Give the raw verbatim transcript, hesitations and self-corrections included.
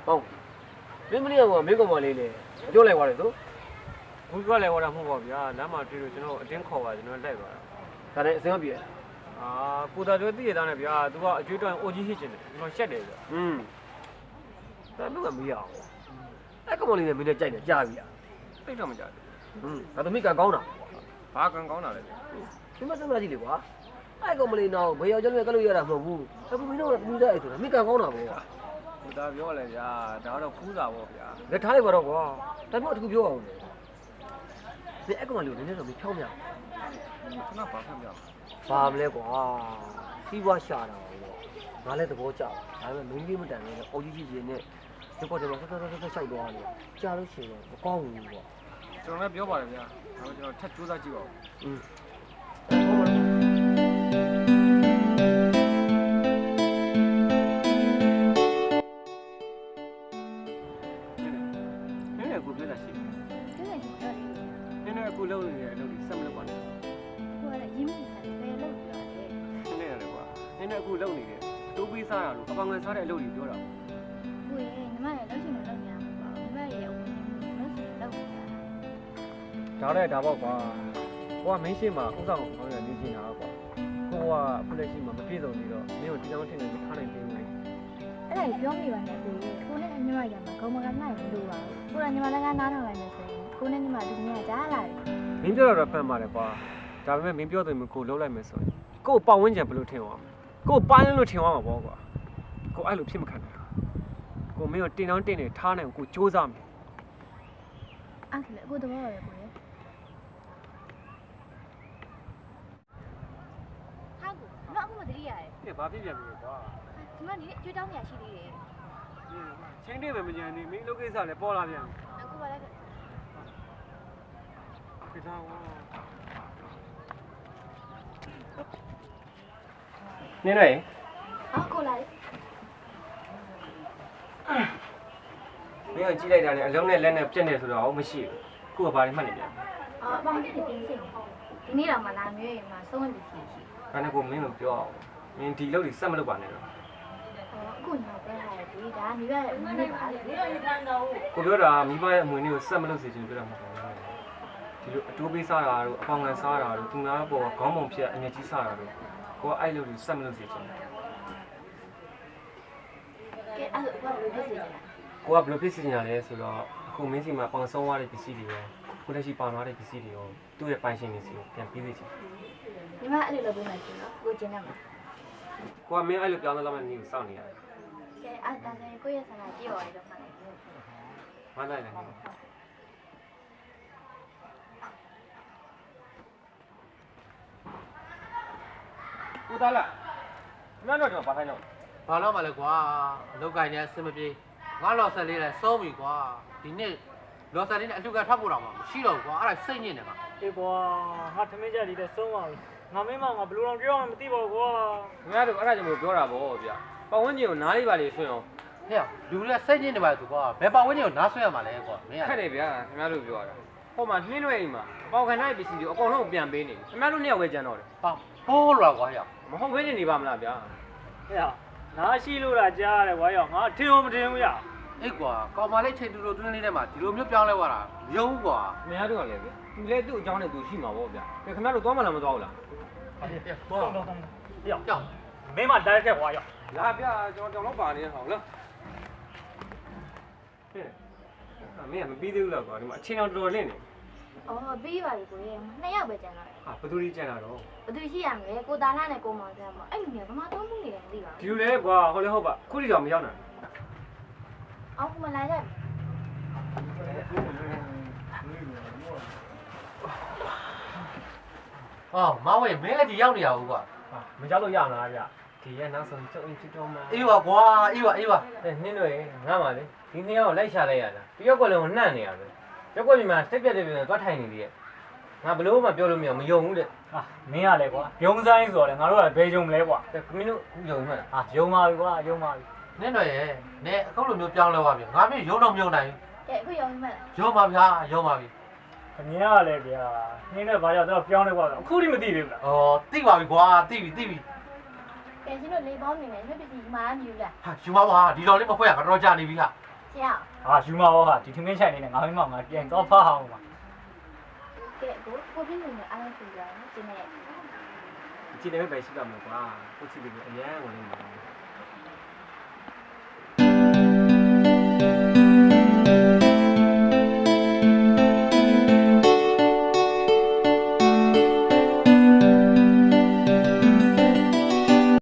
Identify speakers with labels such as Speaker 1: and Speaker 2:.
Speaker 1: ဟုတ်မင်းမလေးကမင်းကောင်မလေးလေပြောလိုက်သွားတယ်သူ
Speaker 2: ဘူးကလည်းဟောတာမဟုတ်ပါဗျာလမ်းမှာတွေ့လို့ကျွန်တော်အတင်းခေါ်ပါကျွန်တော်လိုက်သွားတာ
Speaker 1: ဒါနဲ့အစင်မပြေလား
Speaker 2: အာကိုတာတို့သိရသားနဲ့ဗျာသူကအကျွေးတွန်းအိုကြီးရှိချင်တယ်ကျွန်တော်ရှက်တယ်ဗျာ
Speaker 1: อืมဒါတော့ကမရအောင်အဲ့ကောင်မလေးနဲ့မင်းနဲ့ကြိုက်တယ်ကြားပြီလား
Speaker 2: သိတော့မကြဘူး
Speaker 1: อืมဒါသမီးကကောင်းတာ
Speaker 2: ဘာကံကောင်းတာလဲဗျာ
Speaker 1: ဒီမစမ်းမကြည့်လေကွာအဲ့ကောင်မလေးတော့ဘယ်ရောက်ကြလို့ကလို့ရတာမဟုတ်ဘူးအခုမင်းတို့ကပြူစားအဲ့ဆိုတာမိကကောင်းတာပေါ့
Speaker 2: ကိုတာပြောလဲဗျာဒါတော့ဖူးတာပေါ့ဗျာ
Speaker 1: လက်ထားလိုက်ပါတော့ကွာဒါမျိုးအတူပြောအောင်လေဒီအဲ့ကောင်မလေးကိုနည်းနည်းတော့မဖြောင်းပြ
Speaker 2: ခဏပါဖတ်ပြ
Speaker 1: ဘာမလဲကွာစီးပွားရှာတာပေါ့ငါလည်းသဘောကျဒါပေမဲ့မင်းကြီးမတန်နဲ့အော်ကြီးကြီးကြီးနဲ့ဒီပေါ်တယ်မှာဆက်ဆက်ဆက်ဆက်လျှောက်သွားတယ်ကြားလို့ရှိရင်မကောင်းဘူးပေါ့
Speaker 2: ကျွန်တော်လည်းပြောပါတယ်ဗျာဒါပေမဲ့ကျွန်တော်ထပ်စူးစမ်းကြည့်ပါဦး
Speaker 1: อืม
Speaker 2: နည်းနည်းကိုပြောတာရှိတယ်
Speaker 3: 对对对，
Speaker 2: နည်းနည်းကိုလုံးနေတဲ့အလုပ်ကြီးဆက်မလုပ်ပါနဲ့
Speaker 3: 我来因为他在弄着嘞。
Speaker 2: နည်းနည်းလည်းကွာနည်းနည်းအခုလုံးနေတယ်တိုးပေးစားတာလို့အပောင်ငယ်စားတဲ့အလုပ်ကြီးပြောတာ
Speaker 3: 喂，你妈也老喜欢弄呀，你妈也我们是弄呀。
Speaker 2: ဒါလည်းဒါပေါ့ကွာကိုကမင်းရှိမှာဥစ္စာကိုခေါင်းရနေချင်တာကွာကိုကအခုလက်ရှိမှာမပြည့်စုံသေးတော့မင်းကိုဒီတောင်ထင်နေမထားနိုင်သေးဘူးလေ
Speaker 3: အဲ့ဒါပြောမိပါနဲ့ကိုကိုနဲ့ညီမရမှာခေါမကနိုင်မလို့ပါဘူးကိုကညီမလည်းကနားထောင်လိုက်မယ်ဆိုရင်ကိုနဲ့ညီမဒီနေ့ကကြားလာတယ်
Speaker 2: မင်းပြောတော့ဖန်ပါတယ်ကွာဒါပေမဲ့မင်းပြောတယ်မကိုလုံးလိုက်မယ်ဆိုရင်ကို့ပတ်ဝန်းကျင်ဘယ်လိုထင်အောင်ကို့ပိုင်းလို့ထင်အောင်ပါပေါ့ကွာကိုအဲ့လိုဖြစ်မခံနိုင်ကိုမင်းကိုတင်တောင်းတင်နေထားနိုင်ကိုစူးစမ်းမယ်
Speaker 3: အဲ့ဒါကိုတော့ရတယ်ကိုရဲ့ဟာကိုတော့အခုမတတိရတယ်
Speaker 2: ကဲဘာဖြစ်ပြန်ပြီကွာ
Speaker 3: ဒီမှာနေကျွေးတောင်းနေရရှိသေးတယ်
Speaker 2: ချင်းတွေပဲမကြမ်းနေမင်းလုပ်ကိစ္စလည်းပေါ်လာပြန်
Speaker 3: အခုပါလိုက်
Speaker 2: ပြီသားကွာနင်းနေ
Speaker 3: ဟာကိုလာလေ
Speaker 2: မင်းကိုကြည့်လိုက်တာနဲ့အလုံးနဲ့လက်နဲ့ပြက်နေဆိုတော့မရှိဘူးခုကဘာတွေမှတ်နေပြန်
Speaker 3: အာပေါင်းနေတင်းစိတ်ဒီနေ့တော့မလာမျိုးရင်မှဆုံးဝင်ပြီရှိရှိ
Speaker 2: ဒါနဲ့ကိုမင်းကိုပြောအောင်မင်းဒီလုပ်တွေစက်မလုပ်ပါနဲ့တော့
Speaker 3: အခုညောပြောရတယ်ဒီဒါမိဘရဲ့အမနဲ့ပါလေ
Speaker 2: ကိုပြောတာမိဘရဲ့အမွေလေးကိုစက်မလုပ်စေချင်ပြောတာမဟုတ်ဘူးဒီလိုအတိုးပေးစားတာတို့အပေါင်ငယ်စားတာတို့သူများပေါ်ခေါင်းပုံဖြတ်အငြက်ကြီးစားတာတို့ကိုကအဲ့လိုတွေစက်မလုပ်စေချင်
Speaker 3: ကဲအဲ့လိုဘာလို့ဖြစ်နေလဲ
Speaker 2: ကိုကဘယ်လိုဖြစ်စီနေတာလဲဆိုတော့အခုမင်းစီမှာပေါင်ဆုံးသွားတဲ့ပစ္စည်းတွေရောကိုလက်ရှိပေါင်သွားတဲ့ပစ္စည်းတွေရောသူ့ရဲ့ပိုင်ရှင်တွေစီကိုပြန်ပေးစေချင်
Speaker 3: ဒီမှာအဲ့လိုလုပ်ပေးမယ်ဆိုတော့ကိုကျင်းနေမှာ
Speaker 2: ကိုကမင်းအဲ့လိုပြောင်းသွားမှနေကိုစောင့်နေရတယ်
Speaker 3: ကဲအဲ့ဒါဆိုရင်ကိုရဲ့ဆန္ဒကြည့်ပါရတော့မှလည်း
Speaker 2: မနိုင်နိုင်ကိုသားလားမင်းတို့တော့ဘာထိုင်တော့
Speaker 4: ဘာလို့မလဲကွာအလုပ်ကိုင်းနေအဆင်မပြေငါလော်ဆက်လေးလဲစိုးပြီကွာဒီနေ့လော်ဆက်လေးနဲ့အလှကထပ်ဖို့တော့မှမရှိတော့ဘူးကွာအဲ့ဒါစိတ်ညစ်နေမှာ
Speaker 5: အေးကွာငါသမင်းကြက်ဒီတဲ့ဆုံးပါပြီငါမင်းမငါဘယ်လိုလုပ်ပြောမှမသိပါဘူးကွာ
Speaker 2: ခင်ဗျားတို့အဲ့ဒါကြောင့်မပြောတာဗောဗျပတ်ဝန်းကျင်ကိုနားလေးပါလေဆွင့်အောင်
Speaker 4: ဟဲ့လူတွေကစိတ်ညစ်နေပါသူကွာဘယ်ပတ်ဝန်းကျင်ကိုနားဆွဲရမှာလဲကွာမင်း
Speaker 2: ခက်တယ်ဗျာခင်ဗျားတို့ပြောတာဟိုမှာနှင်းရွက်အိမ်မှာအပေါင်ခံတဲ့ပစ္စည်းတွေအကုန်လုံးပြန်ပေးနေခင်ဗျားတို့နှစ်ယောက်ပဲကြံတော့တယ်
Speaker 4: ဟာဟိုးလာကွာဟဲ့
Speaker 2: မဟုတ်ဘဲနေပါမလားဗျာ
Speaker 5: ဟဲ့ငါရှိလို့လားကြားရတယ်ကွာရောငါထင်အောင်မထင်ဘူးရ
Speaker 4: အေးကွာကောင်မလေးချိန်တူတူတွင်းလေးထဲမှာဒီလိုမျိုးပြောင်းလဲသွားတာမယုံဘူးကွာ
Speaker 2: ခင်ဗျားတို့ကလည်းဗျသူလည်းသူ့အကြောင်းနဲ့သူရှိမှာဗောဗျခင်ဗျားတို့သွားမလားမသွားဘူးလား
Speaker 5: ဘောတော့တော့ရော
Speaker 4: ကြောက်
Speaker 5: မင်းမတိုက်ခဲ့ကွာရော
Speaker 2: လာဗျကျွန်တော်တောင်တော့ပါနေဟောလားဟဲ့အမေကမပြီးသေးဘူးလားကွာဒီမှာအချင်းတော်တော်လင့်နေ
Speaker 3: အော်ပြီးပါပြီကိုရဲ့နှစ်ယောက်ပဲကျန်တော့
Speaker 2: ဟာဘသူကြီးကြံတာတော့
Speaker 3: ဘယ်သူရှိရမလဲကိုသားလာနဲ့ကိုမောင်ဆန်းမအဲ့လူမျိုးဘာမှတော့မှုနေတယ်မသိပါ
Speaker 2: ဒီ
Speaker 3: ဘူး
Speaker 2: လိုလေကွာဟုတ်လေဟုတ်ပါခုထိတော့မရောက်နိုင်
Speaker 3: အော်ကမလာကြ
Speaker 4: ဟောမဝဲမင်းလည်းဒီရောက်နေရဘူးကွာ
Speaker 2: ဟာမကြောက်လို့ရမလားဗျဒီရဲ့နောက်ဆုံးကျုပ်အင်းဖြစ်တော့မှာ
Speaker 4: အေးပါကွာအေးပါအေးပါ
Speaker 2: တဲ့နှင်းတွေငါမှလေဒီနှစ်ယောက်လိုက်ရှာလိုက်ရတာတယောက်ကလည်းနှံ့နေရပဲရက်ွက်ပြင်မှာစက်ပြက်တဲ့ပြင်သွားထိုင်နေသေးရဲ့ငါဘလို့မှပြောလို့မရမယုံဘူးတဲ့
Speaker 5: ဟာမင်းရလဲကွာယုံဆိုင်ဆိုတော့ငါတို့ကဘယ်ယုံမလဲကွာ
Speaker 2: တဲ့ခမင်းတို့ယုံမှလား
Speaker 5: ဟာယုံပါပြီကွာယုံပါပြီ
Speaker 4: နင်းတော့ရဲ့နဲအခုလိုမျိုးပြောင်းလဲသွားပြီငါမျိုးယုံတော့မယုံနိုင်
Speaker 3: ကဲအခုရောင်းမလား
Speaker 4: ယုံပါဗျာယုံပါပြီ
Speaker 5: ခင်ဗျားလည်းဗျာနင်းနဲ့ဘာကြောင့်တော့ပြောင်းလဲကွာအခုထိမသိသေးဘူးလား
Speaker 4: ဩတိပါပြီကွာတိပြီတိပြီ
Speaker 3: ကဲရှင်တို့လေးပေါင်းနေတယ်မြက်ပစ္စည်းမားမြူလား
Speaker 4: ဟာယူမပါဒီတော်လေးမဖွဲ့ရကတော့ကြာနေပြီဟာ
Speaker 3: ကရှင်အောင်
Speaker 5: ဟာယူမရောဟာဒီထမင်းချိုင်လေးနဲ့ငါမင်းမငါပြန်တော့ဖားအောင်ပါ
Speaker 3: ကဲကိုကိုပြင်းနေအားလုံးပြရအောင်ကျင်းနေ
Speaker 2: ဒီချိန်လည်းပဲရှိပါမှာကွာကိုချစ်ပြီးအရန်ဝင်နေတယ်